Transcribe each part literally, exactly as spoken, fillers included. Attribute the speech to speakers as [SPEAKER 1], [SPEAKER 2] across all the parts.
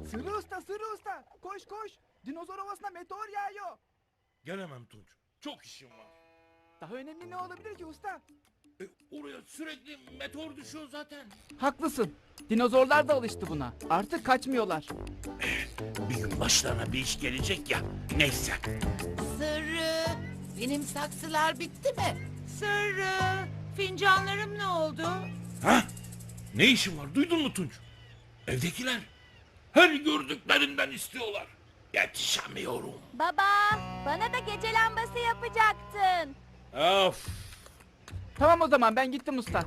[SPEAKER 1] Sırrı usta, Sırrı usta. Koş koş. Dinozor ovasına meteor yağıyor.
[SPEAKER 2] Gelemem Tunç. Çok işim var.
[SPEAKER 1] Daha önemli ne olabilir ki usta?
[SPEAKER 2] E, oraya sürekli meteor düşüyor zaten.
[SPEAKER 1] Haklısın. Dinozorlar da alıştı buna. Artık kaçmıyorlar.
[SPEAKER 2] Bir gün başlarına bir iş gelecek ya. Neyse.
[SPEAKER 3] Sırrı, benim saksılar bitti mi?
[SPEAKER 4] Sırrı, fincanlarım ne oldu?
[SPEAKER 2] Ha? Ne işin var? Duydun mu Tunç? Evdekiler her gördüklerinden istiyorlar. Yetişemiyorum.
[SPEAKER 5] Baba, bana da gece lambası yapacaktın.
[SPEAKER 2] Of.
[SPEAKER 1] Tamam o zaman ben gittim usta.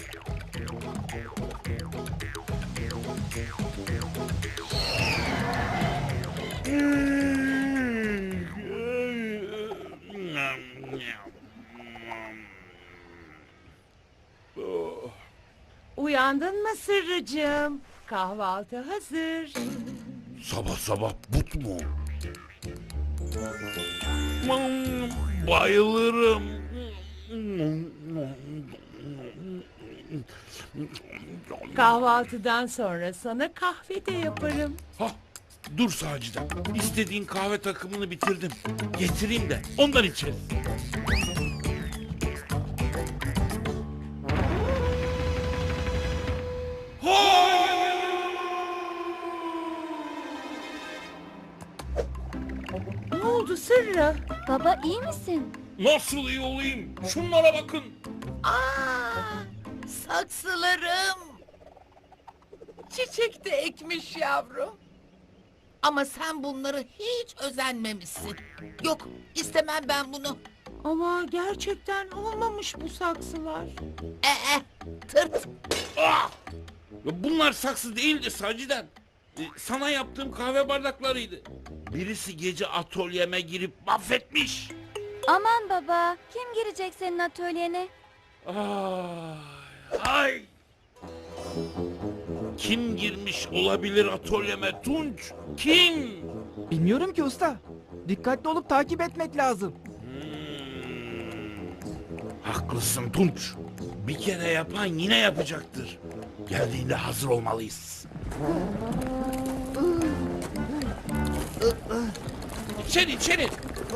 [SPEAKER 4] Uyandın mı Sırrıcığım? Kahvaltı hazır.
[SPEAKER 2] Sabah sabah but mu? Bayılırım.
[SPEAKER 4] Kahvaltıdan sonra sana kahve de yaparım.
[SPEAKER 2] Ha, dur Sacide. İstediğin kahve takımını bitirdim. Getireyim de ondan içelim.
[SPEAKER 4] Ne oldu Sırrı?
[SPEAKER 5] Baba iyi misin?
[SPEAKER 2] Nasıl iyi olayım? Şunlara bakın.
[SPEAKER 3] Aa, saksılarım. Çiçek de ekmiş yavrum. Ama sen bunları hiç özenmemişsin. Yok, istemem ben bunu.
[SPEAKER 4] Ama gerçekten olmamış bu saksılar.
[SPEAKER 3] Ee, tırt.
[SPEAKER 2] Ah! Ya bunlar saksı değildi Saciden. Ee, sana yaptığım kahve bardaklarıydı. Birisi gece atölyeme girip mahvetmiş.
[SPEAKER 5] Aman baba, kim girecek senin atölyene?
[SPEAKER 2] Ay, ay. Kim girmiş olabilir atölyeme Tunç? Kim?
[SPEAKER 1] Bilmiyorum ki usta. Dikkatli olup takip etmek lazım.
[SPEAKER 2] Hmm, haklısın Tunç. Bir kere yapan yine yapacaktır. Geldiğinde hazır olmalıyız. İçeri içeri.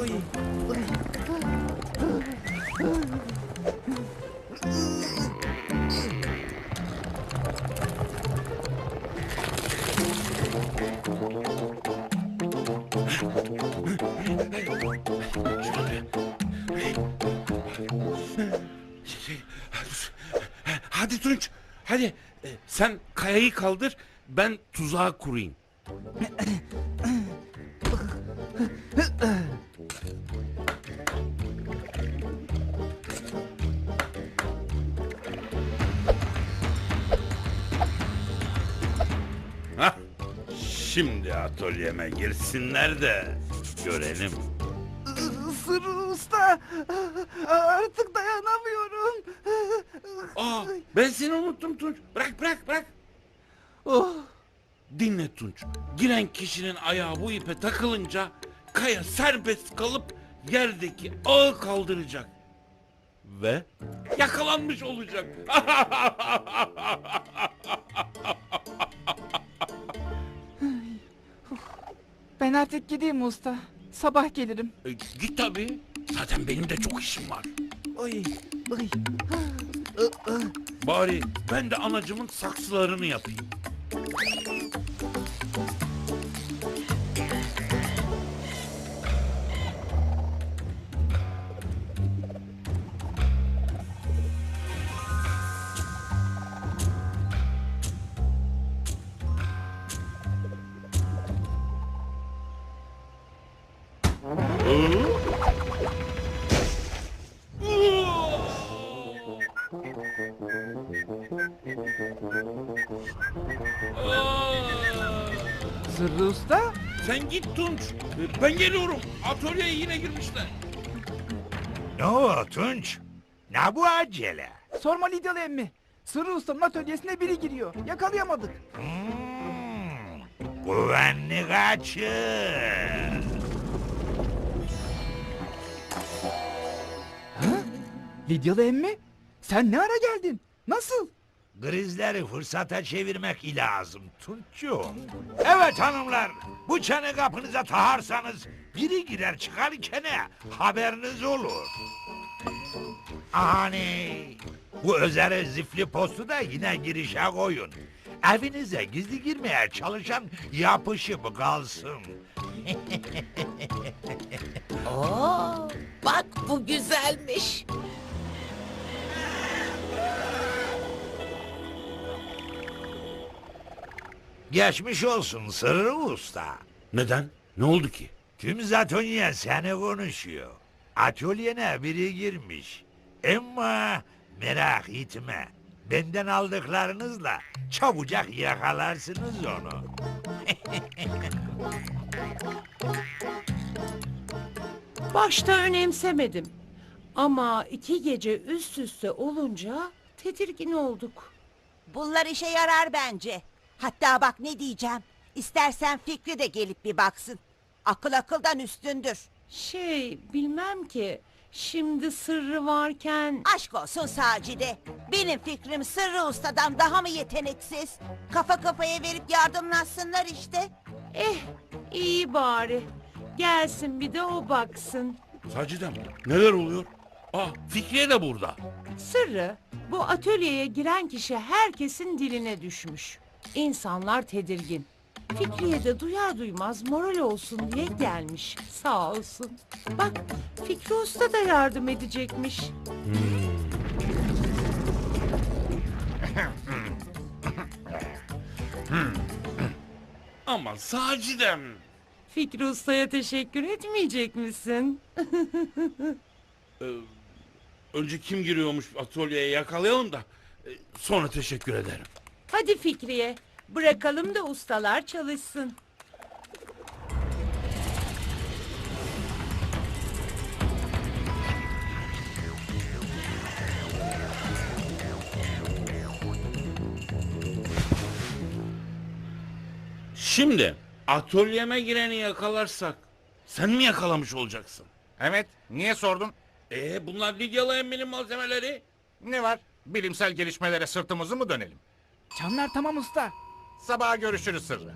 [SPEAKER 2] Hadi Tunç, hadi. Ee, Sen kayayı kaldır, ben tuzağı kurayım. Hah, şimdi atölyeme girsinler de görelim.
[SPEAKER 1] Sırrı usta. Artık dayanamıyorum.
[SPEAKER 2] Aa, ben seni unuttum Tunç. Bırak bırak bırak.
[SPEAKER 1] Oh.
[SPEAKER 2] Dinle Tunç. Giren kişinin ayağı bu ipe takılınca kaya serbest kalıp yerdeki ağı kaldıracak. Ve yakalanmış olacak.
[SPEAKER 1] Ben artık gideyim usta. Sabah gelirim.
[SPEAKER 2] E, git tabii. Zaten benim de çok işim var.
[SPEAKER 1] Oy, oy.
[SPEAKER 2] Bari ben de anacımın saksılarını yapayım.
[SPEAKER 1] Sırrı usta.
[SPEAKER 2] Sen git Tunç. E, Ben geliyorum. Atölyeye yine girmişler.
[SPEAKER 6] Ne o Tunç? Ne bu acele?
[SPEAKER 1] Sorma Lidyalı emmi. Sırrı ustanın atölyesine biri giriyor. Yakalayamadık.
[SPEAKER 6] Hmm, güvenli kaçır.
[SPEAKER 1] Lidyalı emmi? Sen ne ara geldin? Nasıl?
[SPEAKER 6] Krizleri fırsata çevirmek lazım Tunç'cuğum. Evet hanımlar, bu çanı kapınıza taharsanız biri girer çıkar ikene, haberiniz olur. Hani bu özel zifli postu da yine girişe koyun. Evinize gizli girmeye çalışan yapışıp kalsın.
[SPEAKER 3] Oo, bak bu güzelmiş.
[SPEAKER 6] Geçmiş olsun Sırrı Usta.
[SPEAKER 2] Neden? Ne oldu ki?
[SPEAKER 6] Tüm Zatonya seni konuşuyor. Atölyene biri girmiş. Ama merak etme. Benden aldıklarınızla çabucak yakalarsınız onu.
[SPEAKER 4] Başta önemsemedim. Ama iki gece üst üste olunca tedirgin olduk.
[SPEAKER 7] Bunlar işe yarar bence. Hatta bak ne diyeceğim. İstersen Fikri de gelip bir baksın. Akıl akıldan üstündür.
[SPEAKER 4] Şey bilmem ki. Şimdi sırrı varken...
[SPEAKER 7] Aşk olsun Sacide. Benim fikrim Sırrı Usta'dan daha mı yeteneksiz? Kafa kafaya verip yardımlaşsınlar işte.
[SPEAKER 4] Eh iyi bari. Gelsin bir de o baksın.
[SPEAKER 2] Sacidem neler oluyor? Ah Fikriye de burada.
[SPEAKER 4] Sırrı bu atölyeye giren kişi herkesin diline düşmüş. İnsanlar tedirgin. Fikriye de duyar duymaz moral olsun diye gelmiş. Sağ olsun. Bak Fikri Usta da yardım edecekmiş.
[SPEAKER 2] Ama Sacidem.
[SPEAKER 4] Fikri Usta'ya teşekkür etmeyecek misin?
[SPEAKER 2] Ee, önce kim giriyormuş atölyeye yakalayalım da e, sonra teşekkür ederim.
[SPEAKER 4] Hadi Fikriye bırakalım da ustalar çalışsın.
[SPEAKER 2] Şimdi atölyeme gireni yakalarsak sen mi yakalamış olacaksın?
[SPEAKER 8] Evet, niye sordun?
[SPEAKER 2] Ee bunlar Lidyalı emminin malzemeleri.
[SPEAKER 8] Ne var? Bilimsel gelişmelere sırtımızı mı dönelim?
[SPEAKER 1] Çanlar tamam usta.
[SPEAKER 8] Sabaha görüşürüz Sırrı.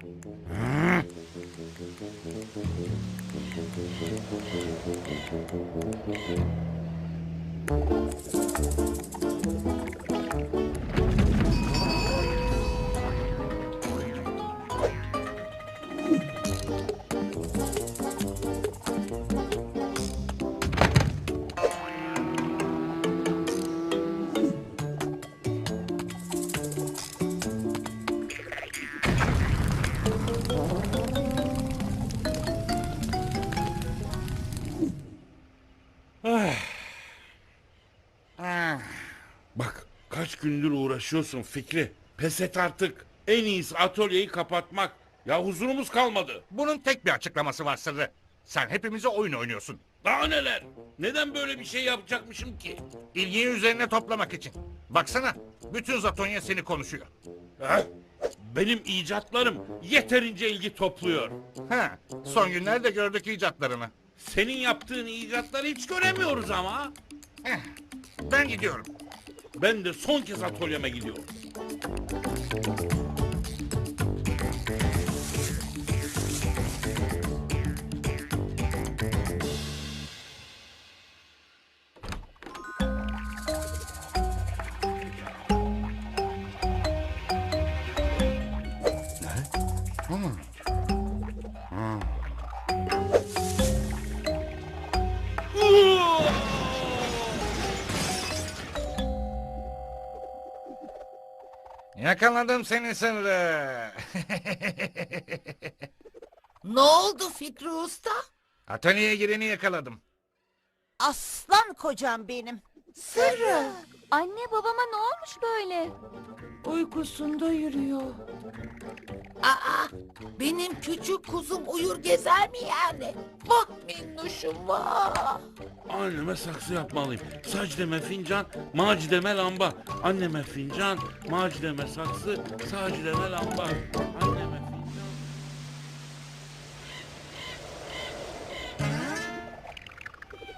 [SPEAKER 8] Ah,
[SPEAKER 2] Bak kaç gündür uğraşıyorsun Fikri. Pes et artık. En iyisi atölyeyi kapatmak. Ya huzurumuz kalmadı.
[SPEAKER 8] bunun tek bir açıklaması var Sırrı. Sen hepimize oyun oynuyorsun.
[SPEAKER 2] Daha neler? Neden böyle bir şey yapacakmışım ki?
[SPEAKER 8] İlgiyi üzerine toplamak için. Baksana, bütün Zatonya seni konuşuyor.
[SPEAKER 2] Ha? Benim icatlarım yeterince ilgi topluyor.
[SPEAKER 8] Ha, son günlerde gördük icatlarını.
[SPEAKER 2] Senin yaptığın icatları hiç göremiyoruz ama.
[SPEAKER 8] Eh, ben gidiyorum.
[SPEAKER 2] Ben de son kez atölyeme gidiyorum.
[SPEAKER 8] Yakaladım seni Sırrı.
[SPEAKER 3] Ne oldu Fikri Usta?
[SPEAKER 8] Atölyeye gireni yakaladım.
[SPEAKER 7] Aslan kocam benim.
[SPEAKER 5] Sırrı. Anne babama ne olmuş böyle?
[SPEAKER 4] Uykusunda yürüyor.
[SPEAKER 3] Aa, benim küçük kuzum uyur gezer mi yani? Vah minnuşum vah.
[SPEAKER 2] Anneme saksı yapmalıyım. Sacideme fincan, Macideme lamba. Anneme fincan, Macideme saksı, Sacideme lamba. Anneme fincan.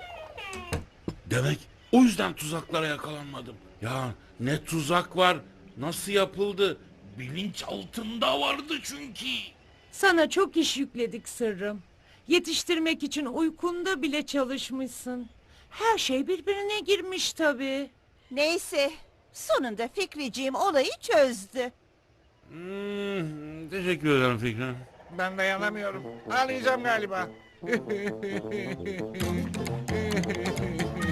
[SPEAKER 2] Demek o yüzden tuzaklara yakalanmadım. Ya ne tuzak var, Nasıl yapıldı? Bilinç altında vardı çünkü.
[SPEAKER 4] Sana çok iş yükledik sırrım. Yetiştirmek için uykunda bile çalışmışsın. Her şey birbirine girmiş tabii.
[SPEAKER 7] Neyse sonunda Fikriciğim olayı çözdü.
[SPEAKER 2] Hmm, teşekkür ederim Fikri.
[SPEAKER 8] Ben dayanamıyorum. Ağlayacağım galiba.